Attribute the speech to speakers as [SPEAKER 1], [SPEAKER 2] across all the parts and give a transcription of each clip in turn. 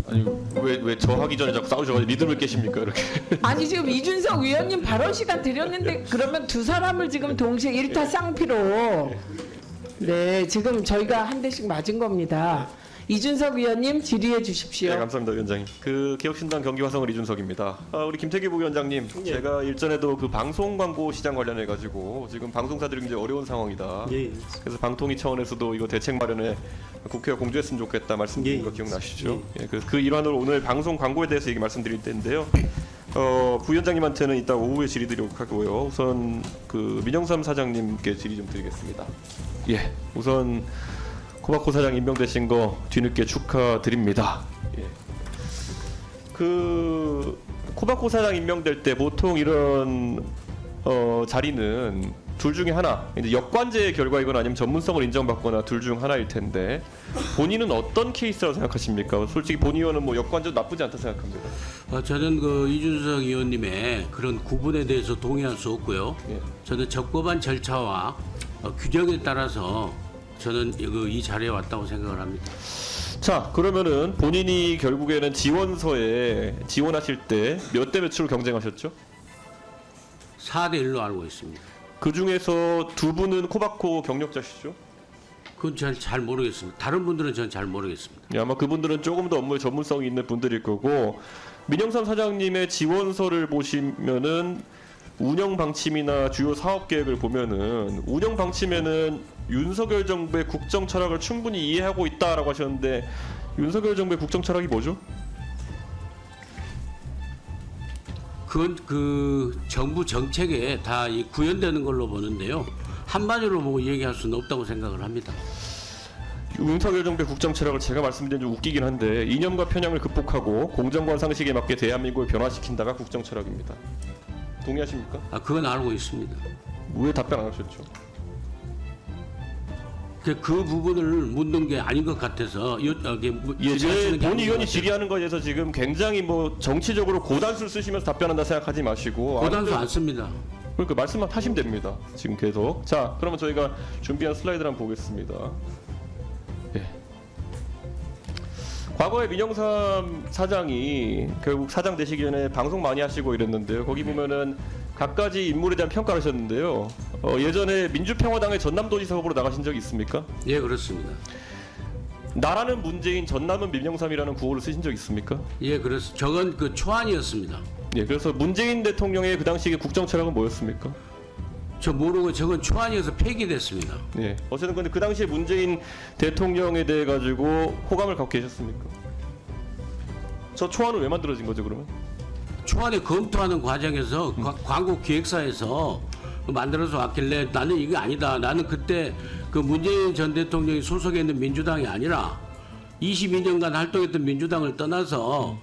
[SPEAKER 1] 아니 왜 저 하기 전에 자꾸 싸우셔가지고 리듬을 깨십니까 이렇게?
[SPEAKER 2] 아니 지금 이준석 위원님 발언 시간 드렸는데 그러면 두 사람을 지금 동시에 일타 쌍피로 네 지금 저희가 한 대씩 맞은 겁니다. 이준석 위원님 질의해 주십시오.
[SPEAKER 1] 네, 감사합니다, 위원장님. 그 개혁신당 경기화성을 이준석입니다. 우리 김태기 부위원장님,
[SPEAKER 3] 예.
[SPEAKER 1] 제가 일전에도 그 방송 광고 시장 관련해 가지고 지금 방송사들이 굉장히 어려운 상황이다.
[SPEAKER 3] 예.
[SPEAKER 1] 그래서 방통위 차원에서도 이거 대책 마련에 국회가 공조했으면 좋겠다 말씀드린
[SPEAKER 3] 예.
[SPEAKER 1] 거 기억나시죠? 예, 그 일환으로 오늘 방송 광고에 대해서 얘기 말씀드릴 텐데요. 부위원장님한테는 이따 오후에 질의드리도록 하고요. 우선 그 민영삼 사장님께 질의 좀 드리겠습니다. 예, 우선 코바코 사장 임명되신 거 뒤늦게 축하드립니다. 예. 그 코바코 사장 임명될 때 보통 이런 자리는 둘 중에 하나, 이제 역관제의 결과이거나 아니면 전문성을 인정받거나 둘 중 하나일 텐데 본인은 어떤 케이스라고 생각하십니까? 솔직히 본 의원은 뭐 역관제도 나쁘지 않다 생각합니다.
[SPEAKER 4] 저는 그 이준석 의원님의 그런 구분에 대해서 동의할 수 없고요.
[SPEAKER 1] 예.
[SPEAKER 4] 저는 적법한 절차와 규정에 따라서 저는 이 자리에 왔다고 생각을 합니다.
[SPEAKER 1] 자, 그러면은 본인이 결국에는 지원서에 지원하실 때 몇 대 몇으로 경쟁하셨죠?
[SPEAKER 4] 4대 1로 알고 있습니다.
[SPEAKER 1] 그 중에서 두 분은 코바코 경력자시죠?
[SPEAKER 4] 그건 잘 모르겠습니다. 다른 분들은 전 잘 모르겠습니다.
[SPEAKER 1] 예, 아마 그분들은 조금 더 업무에 전문성이 있는 분들일 거고, 민영삼 사장님의 지원서를 보시면은 운영 방침이나 주요 사업 계획을 보면은 운영 방침에는 윤석열 정부의 국정 철학을 충분히 이해하고 있다라고 하셨는데 윤석열 정부의 국정 철학이 뭐죠?
[SPEAKER 4] 그건 그 정부 정책에 다 구현되는 걸로 보는데요. 한마디로 뭐 얘기할 수는 없다고 생각을 합니다.
[SPEAKER 1] 윤석열 정부의 국정 철학을 제가 말씀드린 좀 웃기긴 한데 이념과 편향을 극복하고 공정권 상식에 맞게 대한민국을 변화시킨다가 국정 철학입니다. 동의하십니까?
[SPEAKER 4] 그건 알고 있습니다.
[SPEAKER 1] 왜 답변 안 하셨죠?
[SPEAKER 4] 그 부분을 묻는 게 아닌 것 같아서
[SPEAKER 1] 예, 본 의원이 질의하는 거에 대해서 지금 굉장히 뭐 정치적으로 고단수를 쓰시면서 답변한다 생각하지 마시고
[SPEAKER 4] 고단수 안 씁니다.
[SPEAKER 1] 그러니까 말씀만 하시면 됩니다. 지금 계속. 자, 그러면 저희가 준비한 슬라이드를 한번 보겠습니다. 예. 과거에 민영삼 사장이 결국 사장 되시기 전에 방송 많이 하시고 이랬는데요. 거기 보면은 각가지 인물에 대한 평가를 하셨는데요. 예전에 민주평화당의 전남도지사 후보로 나가신 적이 있습니까?
[SPEAKER 4] 예, 그렇습니다.
[SPEAKER 1] 나라는 문재인, 전남은 민영삼이라는 구호를 쓰신 적 있습니까?
[SPEAKER 4] 예, 그래서 저건 그 초안이었습니다.
[SPEAKER 1] 예, 그래서 문재인 대통령의 그 당시의 국정 철학은 뭐였습니까?
[SPEAKER 4] 저 모르고 저건 초안이어서 폐기됐습니다.
[SPEAKER 1] 예. 어쨌든 근데 그 당시에 문재인 대통령에 대해 가지고 호감을 갖고 계셨습니까? 저 초안은 왜 만들어진 거죠, 그러면?
[SPEAKER 4] 초안에 검토하는 과정에서 광고 기획사에서 만들어서 왔길래 나는 이게 아니다. 나는 그때 그 문재인 전 대통령이 소속해 있는 민주당이 아니라 22년간 활동했던 민주당을 떠나서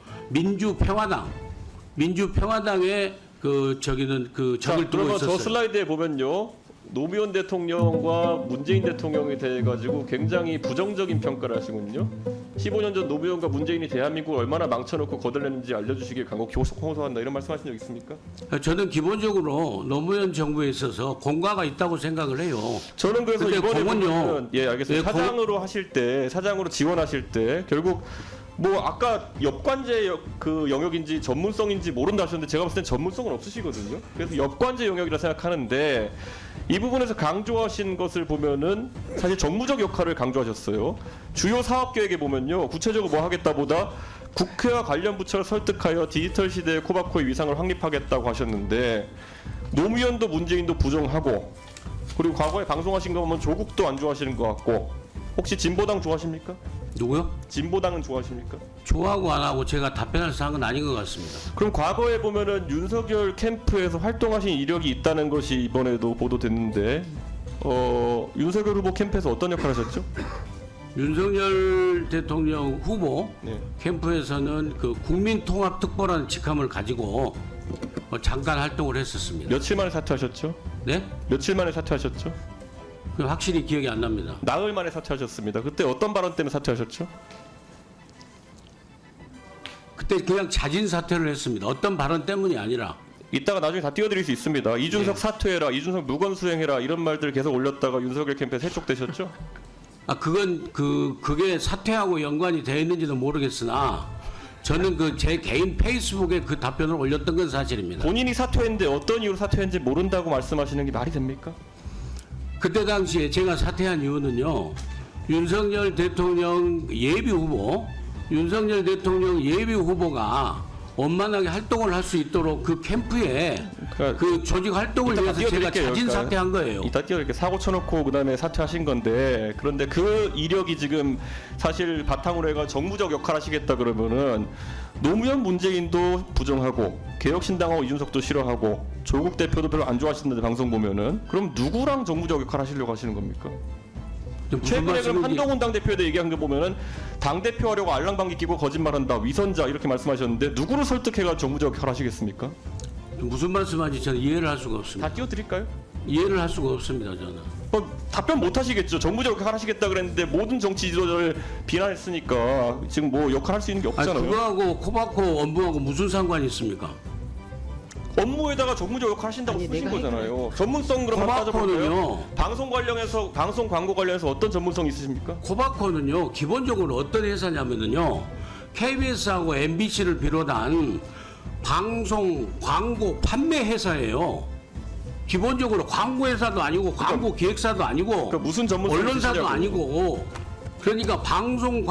[SPEAKER 4] 민주평화당의 그 저기는 그 적을 두고
[SPEAKER 1] 그러면
[SPEAKER 4] 있었어요.
[SPEAKER 1] 저 슬라이드에 보면요. 노무현 대통령과 문재인 대통령에 대해 가지고 굉장히 부정적인 평가를 하시군요. 15년 전 노무현과 문재인이 대한민국을 얼마나 망쳐놓고 거들냈는지 알려주시길 간곡히 호소한다 이런 말씀하신 적 있습니까?
[SPEAKER 4] 저는 기본적으로 노무현 정부에 있어서 공과가 있다고 생각을 해요.
[SPEAKER 1] 저는 그래서
[SPEAKER 4] 근데
[SPEAKER 1] 이번에
[SPEAKER 4] 공은요.
[SPEAKER 1] 보면, 예, 알겠습니다.
[SPEAKER 4] 예,
[SPEAKER 1] 사장으로 하실 때, 사장으로 지원하실 때 결국 뭐 아까 역관제 그 영역인지 전문성인지 모른다 하셨는데 제가 봤을 땐 전문성은 없으시거든요. 그래서 역관제 영역이라 생각하는데 이 부분에서 강조하신 것을 보면은 사실 정무적 역할을 강조하셨어요. 주요 사업 계획에 보면요. 구체적으로 뭐 하겠다보다 국회와 관련 부처를 설득하여 디지털 시대의 코바코의 위상을 확립하겠다고 하셨는데 노무현도 문재인도 부정하고 그리고 과거에 방송하신 거 보면 조국도 안 좋아하시는 것 같고 혹시 진보당 좋아하십니까?
[SPEAKER 4] 누구요?
[SPEAKER 1] 진보당은 좋아하십니까?
[SPEAKER 4] 좋아하고 안 하고 제가 답변할 사항은 아닌 것 같습니다.
[SPEAKER 1] 그럼 과거에 보면은 윤석열 캠프에서 활동하신 이력이 있다는 것이 이번에도 보도됐는데 윤석열 후보 캠프에서 어떤 역할을 하셨죠?
[SPEAKER 4] 윤석열 대통령 후보
[SPEAKER 1] 네.
[SPEAKER 4] 캠프에서는 그 국민통합특보라는 직함을 가지고 잠깐 활동을 했었습니다.
[SPEAKER 1] 며칠 만에 사퇴하셨죠?
[SPEAKER 4] 네?
[SPEAKER 1] 며칠 만에 사퇴하셨죠?
[SPEAKER 4] 그 확실히 기억이 안 납니다.
[SPEAKER 1] 나흘 만에 사퇴하셨습니다. 그때 어떤 발언 때문에 사퇴하셨죠?
[SPEAKER 4] 그때 그냥 자진 사퇴를 했습니다. 어떤 발언 때문이 아니라.
[SPEAKER 1] 이따가 나중에 다 띄워드릴 수 있습니다. 이준석
[SPEAKER 4] 네.
[SPEAKER 1] 사퇴해라, 이준석 무건 수행해라 이런 말들 계속 올렸다가 윤석열 캠프에서 해촉되셨죠?
[SPEAKER 4] 그건 그게 사퇴하고 연관이 되어 있는지도 모르겠으나 저는 그 제 개인 페이스북에 그 답변을 올렸던 건 사실입니다.
[SPEAKER 1] 본인이 사퇴했는데 어떤 이유로 사퇴했는지 모른다고 말씀하시는 게 말이 됩니까?
[SPEAKER 4] 그때 당시에 제가 사퇴한 이유는요. 윤석열 대통령 예비 후보가 원만하게 활동을 할 수 있도록 그 캠프에
[SPEAKER 1] 그러니까
[SPEAKER 4] 그 조직 활동을
[SPEAKER 1] 이따가
[SPEAKER 4] 위해서 제가
[SPEAKER 1] 띄워드릴게요.
[SPEAKER 4] 자진
[SPEAKER 1] 그러니까
[SPEAKER 4] 사퇴한 거예요.
[SPEAKER 1] 이따 이렇게 사고 쳐놓고 그다음에 사퇴하신 건데 그런데 그 이력이 지금 사실 바탕으로 해가 정무적 역할 하시겠다 그러면은 노무현 문재인도 부정하고 개혁신당하고 이준석도 싫어하고 조국 대표도 별로 안 좋아하시는데 방송 보면은 그럼 누구랑 정무적 역할 하시려고 하시는 겁니까?
[SPEAKER 4] 무슨
[SPEAKER 1] 최근에 그럼
[SPEAKER 4] 말씀인지-
[SPEAKER 1] 한동훈 당대표에 얘기한 거 보면은 당대표 하려고 알랑방귀 끼고 거짓말한다 위선자 이렇게 말씀하셨는데 누구를 설득해가 정무적 역할 하시겠습니까?
[SPEAKER 4] 무슨 말씀하는지 저는 이해를 할 수가 없습니다.
[SPEAKER 1] 다 띄워드릴까요?
[SPEAKER 4] 이해를 할 수가 없습니다. 저는.
[SPEAKER 1] 답변 못 하시겠죠. 정무적 역할 하시겠다 그랬는데 모든 정치 지도자를 비난했으니까 지금 뭐 역할 할 수 있는 게
[SPEAKER 4] 아니,
[SPEAKER 1] 없잖아요.
[SPEAKER 4] 그거하고 코바코 업무하고 무슨 상관이 있습니까?
[SPEAKER 1] 업무에다가 정무적 역할 하신다고
[SPEAKER 2] 아니,
[SPEAKER 1] 쓰신
[SPEAKER 2] 내가
[SPEAKER 1] 거잖아요. 전문성 그럼 한번 따져볼까요?
[SPEAKER 4] 코바코는요.
[SPEAKER 1] 방송 광고 관련해서 어떤 전문성 있으십니까?
[SPEAKER 4] 코바코는요. 기본적으로 어떤 회사냐면은요. KBS하고 MBC를 비롯한 방송 광고 판매 회사예요. 기본적으로 광고 회사도 아니고 광고 기획사도 아니고
[SPEAKER 1] 그러니까 무슨 전문성이
[SPEAKER 4] 언론사도
[SPEAKER 1] 있으시냐고요.
[SPEAKER 4] 아니고 그러니까 방송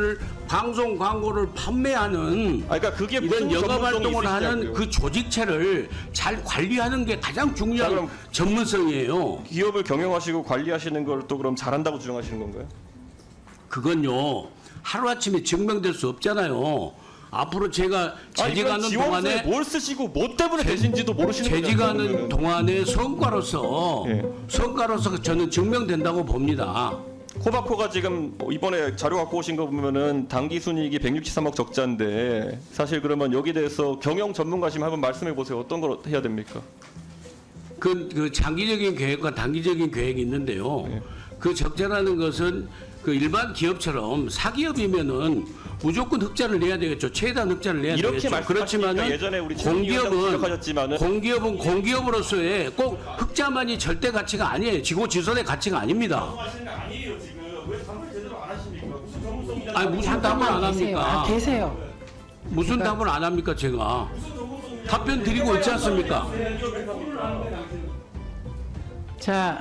[SPEAKER 4] 광고를 판매하는
[SPEAKER 1] 그러니까 그게
[SPEAKER 4] 이런
[SPEAKER 1] 무슨
[SPEAKER 4] 영업
[SPEAKER 1] 전문성이
[SPEAKER 4] 활동을 하는
[SPEAKER 1] 있으시냐고요.
[SPEAKER 4] 그 조직체를 잘 관리하는 게 가장 중요한
[SPEAKER 1] 자, 그럼
[SPEAKER 4] 전문성이에요.
[SPEAKER 1] 기업을 경영하시고 관리하시는 걸 또 그럼 잘한다고 주장하시는 건가요?
[SPEAKER 4] 그건요 하루아침에 증명될 수 없잖아요. 앞으로 제가 재직하는
[SPEAKER 1] 지원서에
[SPEAKER 4] 동안에
[SPEAKER 1] 뭘 쓰시고 뭐 때문에 되신지도 모르시는 거잖아요.
[SPEAKER 4] 재직하는
[SPEAKER 1] 그러면은.
[SPEAKER 4] 동안에 성과로서
[SPEAKER 1] 예.
[SPEAKER 4] 저는 증명된다고 봅니다.
[SPEAKER 1] 코바코가 지금 이번에 자료 갖고 오신 거 보면은 당기 순이익이 163억 적자인데 사실 그러면 여기 대해서 경영 전문가시면 한번 말씀해 보세요. 어떤 걸 해야 됩니까?
[SPEAKER 4] 그 장기적인 계획과 단기적인 계획이 있는데요.
[SPEAKER 1] 네.
[SPEAKER 4] 그 적자라는 것은 그 일반 기업처럼 사기업이면은 무조건 흑자를 내야 되겠죠. 최대한 흑자를 내야
[SPEAKER 1] 이렇게
[SPEAKER 4] 되겠죠.
[SPEAKER 1] 말씀하시니까
[SPEAKER 4] 그렇지만은
[SPEAKER 1] 예전에 우리 공기업은 지적하셨지만은
[SPEAKER 4] 공기업으로서의 꼭 흑자만이 절대 가치가 아니에요. 지고지선의 가치가 아닙니다.
[SPEAKER 1] 아니에요 지금 왜 답을 제대로 안 하십니까? 무슨 전문성이
[SPEAKER 4] 아니 무슨 답을 안 합니까?
[SPEAKER 2] 계세요.
[SPEAKER 4] 무슨 답을 안 합니까 제가? 답변 드리고 있지 않습니까?
[SPEAKER 2] 자,